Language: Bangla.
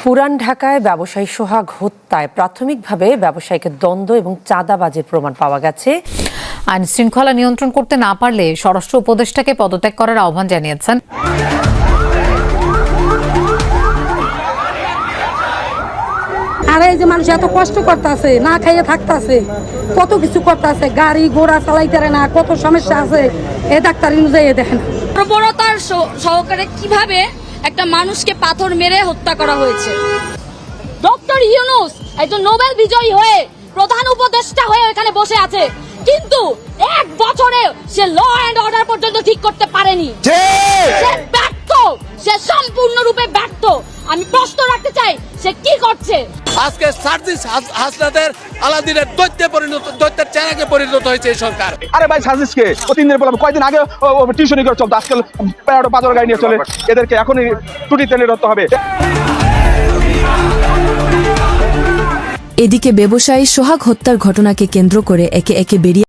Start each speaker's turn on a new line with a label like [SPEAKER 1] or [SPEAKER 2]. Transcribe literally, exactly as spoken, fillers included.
[SPEAKER 1] পুরান ঢাকায় ব্যবসায়ী সোহাগ হত্যায় প্রাথমিকভাবে ব্যবসায়ীকে দ্বন্দ্ব এবং চাঁদাবাজির প্রমাণ পাওয়া গেছে।
[SPEAKER 2] আইন শৃঙ্খলা নিয়ন্ত্রণ করতে না পারলে স্বরাষ্ট্র উপদেষ্টাকে পদত্যাগ করার আহ্বান জানিয়েছেন।
[SPEAKER 3] আর এই যে মানুষ এত কষ্ট করতেছে, না খাইয়ে থাকতেছে, কত কিছু করতেছে, গাড়ি ঘোড়া চালাইতে না, কত সমস্যা আছে, এ ডাক্তার অনুযায়ী দেখেন
[SPEAKER 4] প্রবণতার সহকারে কিভাবে একটা মানুষকে পাথর মেরে হত্যা করা হয়েছে। ডক্টর ইউনূস একজন নোবেল বিজয়ী হয়ে প্রধান উপদেষ্টা হয়ে এখানে বসে আছে, কিন্তু এক বছরে সে ল এন্ড অর্ডার পর্যন্ত ঠিক করতে পারেনি। সে ব্যর্থ, সে সম্পূর্ণরূপে ব্যর্থ। আমি প্রশ্ন রাখতে চাই, সে কি করছে?
[SPEAKER 5] আজকে সার্জিস হাসনাতের আলাদিনের দৈত্যে পরিণত দৈত্যের চেহারাকে পরিণত হয়েছে এই সরকার।
[SPEAKER 6] আরে ভাই সার্জিসকে ও তিন দিন বললাম, কয়েকদিন আগে টিউশনি করে চলতো, আজকাল প্যারাডো বাজার গাড়ি নিয়ে চলে। এদেরকে এখনই টুটি তেলে ধরতে হবে।
[SPEAKER 7] এদিকে ব্যবসায়ী সোহাগ হত্যার ঘটনাকে কেন্দ্র করে একে একে বেরিয়ে